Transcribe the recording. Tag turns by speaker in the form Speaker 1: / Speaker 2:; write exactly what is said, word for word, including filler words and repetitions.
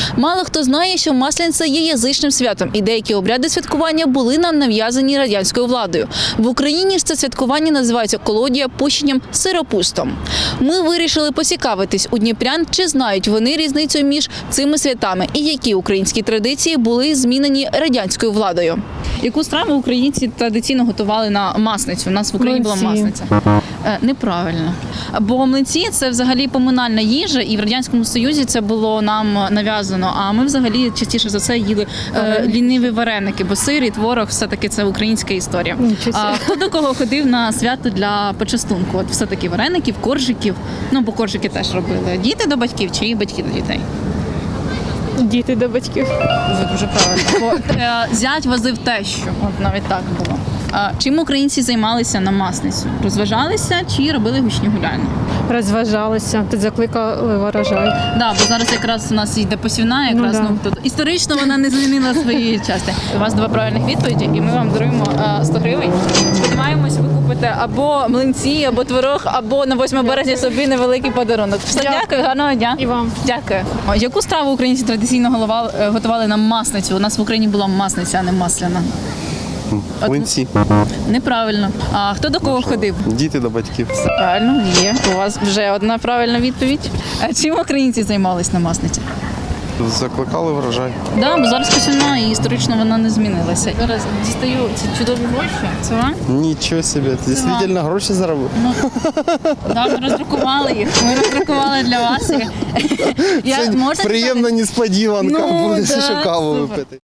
Speaker 1: Мало хто знає, що Масляниця є язичним святом, і деякі обряди святкування були нам нав'язані радянською владою. В Україні ж це святкування називається колодія пущенням сиропустом. Ми вирішили поцікавитись у дніпрян, чи знають вони різницю між цими святами і які українські традиції були змінені радянською владою. Яку страву українці традиційно готували на Масленицю? У нас в Україні була
Speaker 2: Млинці.
Speaker 1: Маслениця. Е, неправильно. Бо млинці – це взагалі поминальна їжа, і в Радянському Союзі це було нам нав'язано. А ми взагалі частіше за це їли е, ліниві вареники, бо сир і творог все-таки це українська історія.
Speaker 2: Нічого
Speaker 1: А
Speaker 2: собі.
Speaker 1: хто до кого ходив на свято для почастунку? От все-таки вареників, коржиків, ну бо коржики теж робили. Діти до батьків чи батьки до дітей?
Speaker 2: Діти до батьків.
Speaker 1: Це дуже правильно. Бо е, зять возив тещу, от навіть так було. А чим українці займалися на Масленицю? Розважалися чи робили гучні гуляння?
Speaker 2: Розважалися, тут закликали врожай.
Speaker 1: Да, бо зараз якраз у нас йде посівна, якраз
Speaker 2: Ну, да.
Speaker 1: ну, тут історично вона не змінила свої частини. У вас два правильних відповіді, і ми вам даруємо е, сто гривень. Сподіваємось, ви купите або млинці, або творог, або на восьме березня собі невеликий подарунок. Все,
Speaker 2: Дякую.
Speaker 1: дякую, гарного дня.
Speaker 2: І вам.
Speaker 1: Дякую. О, яку страву українці традиційно голова- е, готували на Масленицю? У нас в Україні була Маслениця, а не масляна.
Speaker 3: Млинці.
Speaker 1: Неправильно. А хто до кого ходив?
Speaker 3: Діти до батьків.
Speaker 1: Правильно, є. У вас вже одна правильна відповідь. А чим українці займались на Маслениці?
Speaker 3: Закликали врожай.
Speaker 1: Да, бо зараз посівна і історично вона не змінилася. Зараз дістаю ці чудові гроші. Це вам?
Speaker 3: Нічого собі, ти дійсно гроші заробив.
Speaker 1: Ну, да, ми роздрукували їх. Ми роздрукували для вас. їх. Я,
Speaker 3: Це
Speaker 1: можна
Speaker 3: приємна несподіванка,
Speaker 1: Ну,
Speaker 3: буде
Speaker 1: да,
Speaker 3: що каву
Speaker 1: супер.
Speaker 3: випити.